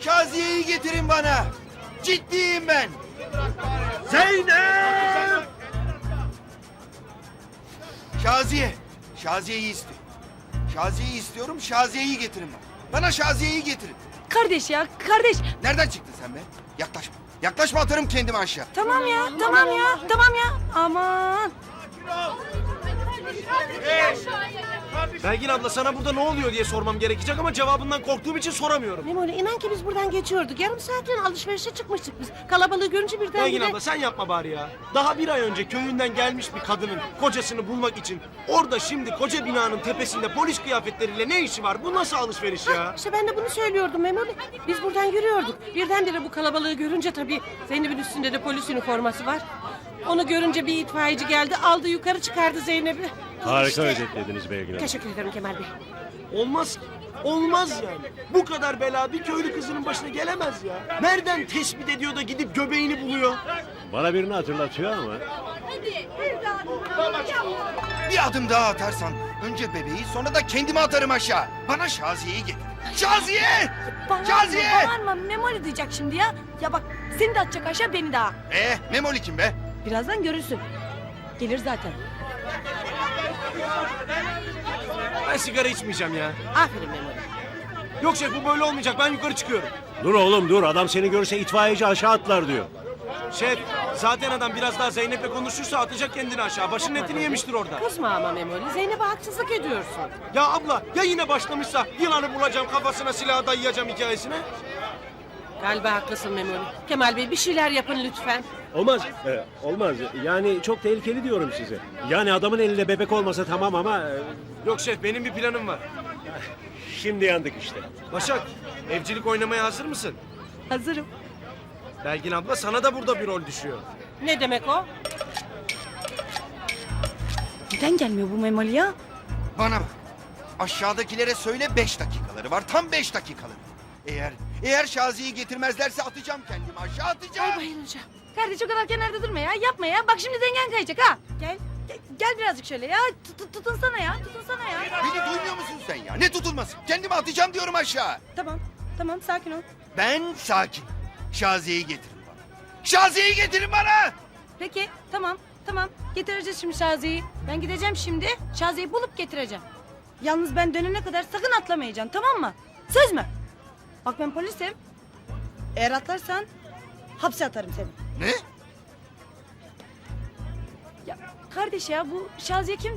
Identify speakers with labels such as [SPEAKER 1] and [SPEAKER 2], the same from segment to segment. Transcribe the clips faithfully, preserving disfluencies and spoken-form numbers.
[SPEAKER 1] Şaziye'yi getirin bana. Ciddiyim ben.
[SPEAKER 2] Zeynep!
[SPEAKER 1] Şaziye. Şaziye'yi istiyorum. Şaziye'yi istiyorum. Şaziye'yi getirin bana. Bana Şaziye'yi getirin.
[SPEAKER 3] Kardeş ya kardeş.
[SPEAKER 1] Nereden çıktın sen be? Yaklaşma. Yaklaşma, atarım kendimi aşağı.
[SPEAKER 3] Tamam ya tamam ya tamam ya. Aman.
[SPEAKER 2] Belgin abla sana burada ne oluyor diye sormam gerekecek ama cevabından korktuğum için soramıyorum.
[SPEAKER 3] Memoli inan ki biz buradan geçiyorduk. Yarım saatliğine alışverişe çıkmıştık biz. Kalabalığı görünce birden
[SPEAKER 2] Belgin abla sen yapma bari ya. Daha bir ay önce köyünden gelmiş bir kadının kocasını bulmak için orada şimdi koca binanın tepesinde polis kıyafetleriyle ne işi var? Bu nasıl alışveriş ya?
[SPEAKER 3] İşte ben de bunu söylüyordum Memoli. Biz buradan yürüyorduk. Birdenbire bu kalabalığı görünce tabii Zeynep'in üstünde de polis üniforması var. Onu görünce bir itfaiyeci geldi, aldı yukarı çıkardı Zeynep'i.
[SPEAKER 4] Harika
[SPEAKER 3] İşte.
[SPEAKER 4] özetlediniz Belgin Hanım.
[SPEAKER 3] Teşekkür ederim Kemal Bey.
[SPEAKER 2] Olmaz. Olmaz yani. Bu kadar bela bir köylü kızının başına gelemez ya. Nereden tespit ediyor da gidip göbeğini buluyor?
[SPEAKER 4] Bana birini hatırlatıyor ama.
[SPEAKER 1] Bir adım daha atarsan önce bebeği sonra da kendimi atarım aşağı. Bana Şaziye'yi getir. Şaziye! Şaziye!
[SPEAKER 3] Bağırma Memoli diyecek şimdi ya. Ya bak seni de atacak aşağı beni daha.
[SPEAKER 1] Ee, Memoli kim be?
[SPEAKER 3] Birazdan görürsün. Gelir zaten.
[SPEAKER 2] Ben sigara içmeyeceğim ya.
[SPEAKER 3] Aferin Memoli.
[SPEAKER 2] Yok şef bu böyle olmayacak. Ben yukarı çıkıyorum.
[SPEAKER 4] Dur oğlum dur, adam seni görse itfaiyeci aşağı atlar diyor.
[SPEAKER 2] Şef zaten adam biraz daha Zeynep'le konuşursa atacak kendini aşağı. Başının etini yemiştir orada.
[SPEAKER 3] Kızma ama Memoli. Zeynep'e haksızlık ediyorsun.
[SPEAKER 2] Ya abla ya yine başlamışsa yılanı bulacağım kafasına silahı dayayacağım hikayesine.
[SPEAKER 3] Galiba haklısın Memoli. Kemal Bey bir şeyler yapın lütfen.
[SPEAKER 4] Olmaz, e, olmaz. Yani çok tehlikeli diyorum size. Yani adamın elinde bebek olmasa tamam ama... e,
[SPEAKER 2] Yok şef benim bir planım var.
[SPEAKER 4] şimdi yandık işte.
[SPEAKER 2] Başak evcilik oynamaya hazır mısın?
[SPEAKER 3] Hazırım.
[SPEAKER 2] Belgin abla sana da burada bir rol düşüyor.
[SPEAKER 3] Ne demek o? Neden gelmiyor bu Memoli ya?
[SPEAKER 1] Bana bak. Aşağıdakilere söyle beş dakikaları var. Tam beş dakikaları. Eğer eğer Şaziye'yi getirmezlerse atacağım kendimi aşağı atacağım.
[SPEAKER 3] Ay bayılacağım. Kardeş o kadar kenarda durma ya. Yapma ya. Bak şimdi dengen kayacak ha. Gel. Gel, gel birazcık şöyle ya. Tut, tutunsana ya. Tutunsana ya.
[SPEAKER 1] Beni duymuyor musun sen ya? Ne tutulması? Kendimi atacağım diyorum aşağı.
[SPEAKER 3] Tamam. Tamam sakin ol.
[SPEAKER 1] Ben sakin. Şaziye'yi getirin bana. Şaziye'yi getirin bana.
[SPEAKER 3] Peki tamam. Tamam. Getireceğiz şimdi Şaziye'yi. Ben gideceğim şimdi. Şaziye'yi bulup getireceğim. Yalnız ben dönene kadar sakın atlamayacaksın tamam mı? Söz mü? Bak ben polisim. Eğer atlarsan hapse atarım seni.
[SPEAKER 1] Ne?
[SPEAKER 3] Ya kardeş ya bu Şaziye kimdi?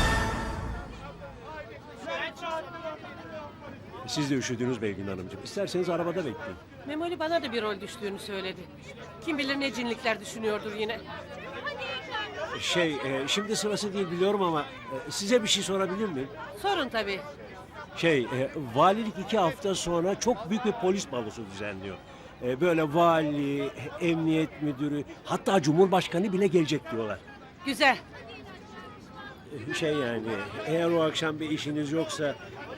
[SPEAKER 4] Siz de üşüdünüz Belgin Hanımcığım. İsterseniz arabada bekleyin.
[SPEAKER 3] Memoli bana da bir rol düştüğünü söyledi. Kim bilir ne cinlikler düşünüyordur yine.
[SPEAKER 4] Şey, e, şimdi sırası değil biliyorum ama e, size bir şey sorabilir miyim?
[SPEAKER 3] Sorun tabii.
[SPEAKER 4] Şey, e, valilik iki hafta sonra çok büyük bir polis balosu düzenliyor. E, böyle vali, emniyet müdürü, hatta cumhurbaşkanı bile gelecek diyorlar.
[SPEAKER 3] Güzel.
[SPEAKER 4] E, Şey yani, eğer o akşam bir işiniz yoksa...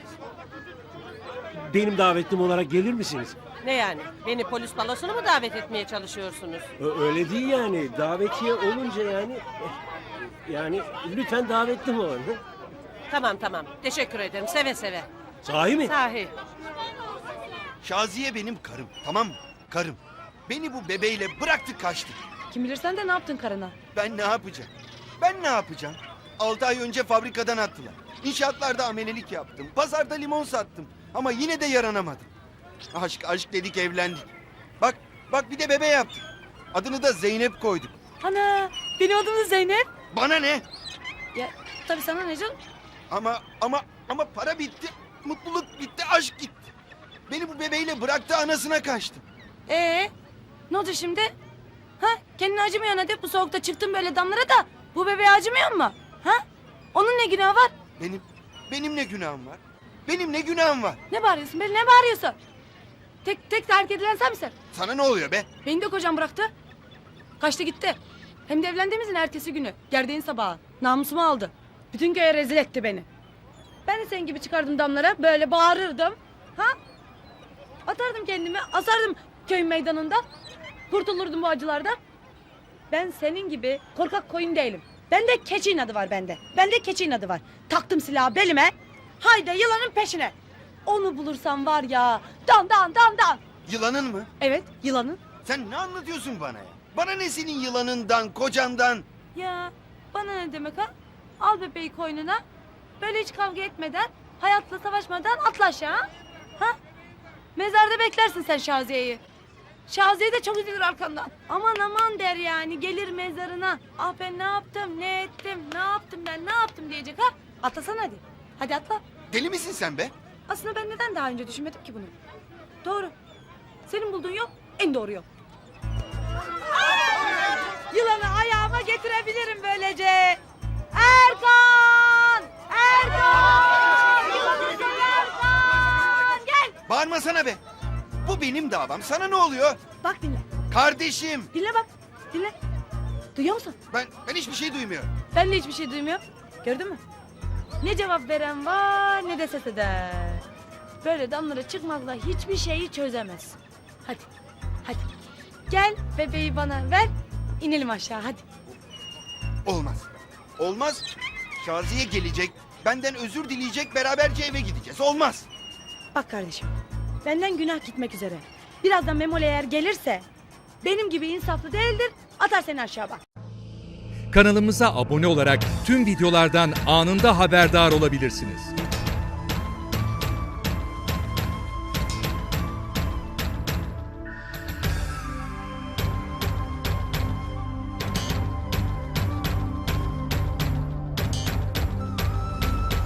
[SPEAKER 4] benim davetlim olarak gelir misiniz?
[SPEAKER 3] Ne yani? Beni polis balosuna mı davet etmeye çalışıyorsunuz?
[SPEAKER 4] Ö- Öyle değil yani. Davetiye olunca yani... eh, yani lütfen davetlim olun. hı?
[SPEAKER 3] Tamam tamam. Teşekkür ederim. Seve seve.
[SPEAKER 4] Sahi mi?
[SPEAKER 3] Sahi.
[SPEAKER 1] Şaziye benim karım, tamam mı? Karım. Beni bu bebeğiyle bıraktı kaçtı.
[SPEAKER 3] Kim bilir sen de ne yaptın karına?
[SPEAKER 1] Ben ne yapacağım? Ben ne yapacağım? Altı ay önce fabrikadan attılar. İnşaatlarda amelelik yaptım. Pazarda limon sattım. Ama yine de yaranamadım. Aşk aşk dedik evlendik. Bak bak bir de bebe yaptık. Adını da Zeynep koyduk.
[SPEAKER 3] Ana benim adım da Zeynep.
[SPEAKER 1] Bana ne?
[SPEAKER 3] Ya tabii sana ne canım?
[SPEAKER 1] Ama ama ama para bitti. Mutluluk bitti, aşk gitti. Beni bu bebeğiyle bıraktı, anasına kaçtı.
[SPEAKER 3] Ee, ne oldu şimdi? Ha? Kendine acımıyorsun hadi bu soğukta çıktın böyle damlara da bu bebeğe acımıyor mu? Ha? Onun ne günahı var?
[SPEAKER 1] Benim benim ne günahım var? Benim ne günahım var?
[SPEAKER 3] Ne bağırıyorsun be ne bağırıyorsun? Tek tek terk edilen sen misin?
[SPEAKER 1] Sana ne oluyor be?
[SPEAKER 3] Beni de kocam bıraktı. Kaçtı gitti. Hem de evlendiğimizin ertesi günü. Gerdeğin sabahı. Namusumu aldı. Bütün köye rezil etti beni. Ben de senin gibi çıkardım damlara. Böyle bağırırdım. Ha? Atardım kendimi. Asardım köyün meydanında. Kurtulurdum bu acılardan. Ben senin gibi korkak koyun değilim. Bende keçi inadı var bende. Bende keçi inadı var. Taktım silahı belime. Haydi yılanın peşine. Onu bulursam var ya. Dan dan dan dan.
[SPEAKER 1] Yılanın mı?
[SPEAKER 3] Evet, yılanın.
[SPEAKER 1] Sen ne anlatıyorsun bana ya? Bana ne senin yılanından, kocandan?
[SPEAKER 3] Ya bana ne demek ha? Al bebeği koynuna. Böyle hiç kavga etmeden, hayatla savaşmadan atla aşağı. Ha? Mezarda beklersin sen Şaziye'yi. Şaziye de çok üzülür arkandan. Aman aman der yani, gelir mezarına. Ah ben ne yaptım, ne ettim, ne yaptım ben, ne yaptım diyecek ha? Atlasana hadi. Hadi atla.
[SPEAKER 1] Deli misin sen be?
[SPEAKER 3] Aslında ben neden daha önce düşünmedim ki bunu? Doğru. Senin bulduğun yok, en doğru yok. Yılanı ayağıma getirebilirim böylece. Erkan! Erkan! Yılanı sen Erkan! Gel!
[SPEAKER 1] Bağırmasana be. Bu benim davam. Sana ne oluyor?
[SPEAKER 3] Bak dinle.
[SPEAKER 1] Kardeşim.
[SPEAKER 3] Dinle bak. Dinle. Duyuyor musun?
[SPEAKER 1] Ben ben hiçbir şey duymuyorum.
[SPEAKER 3] Ben de hiçbir şey duymuyorum. Gördün mü? Ne cevap veren var ne de ses eder. Böyle damlara çıkmakla hiçbir şeyi çözemez. Hadi. Hadi. Gel bebeği bana ver. İnelim aşağı hadi.
[SPEAKER 1] Olmaz. Olmaz. Şaziye gelecek. Benden özür dileyecek. Beraberce eve gideceğiz. Olmaz.
[SPEAKER 3] Bak kardeşim. Benden günah gitmek üzere. Birazdan Memoli eğer gelirse benim gibi insaflı değildir. Atar seni aşağı bak.
[SPEAKER 5] Kanalımıza abone olarak tüm videolardan anında haberdar olabilirsiniz.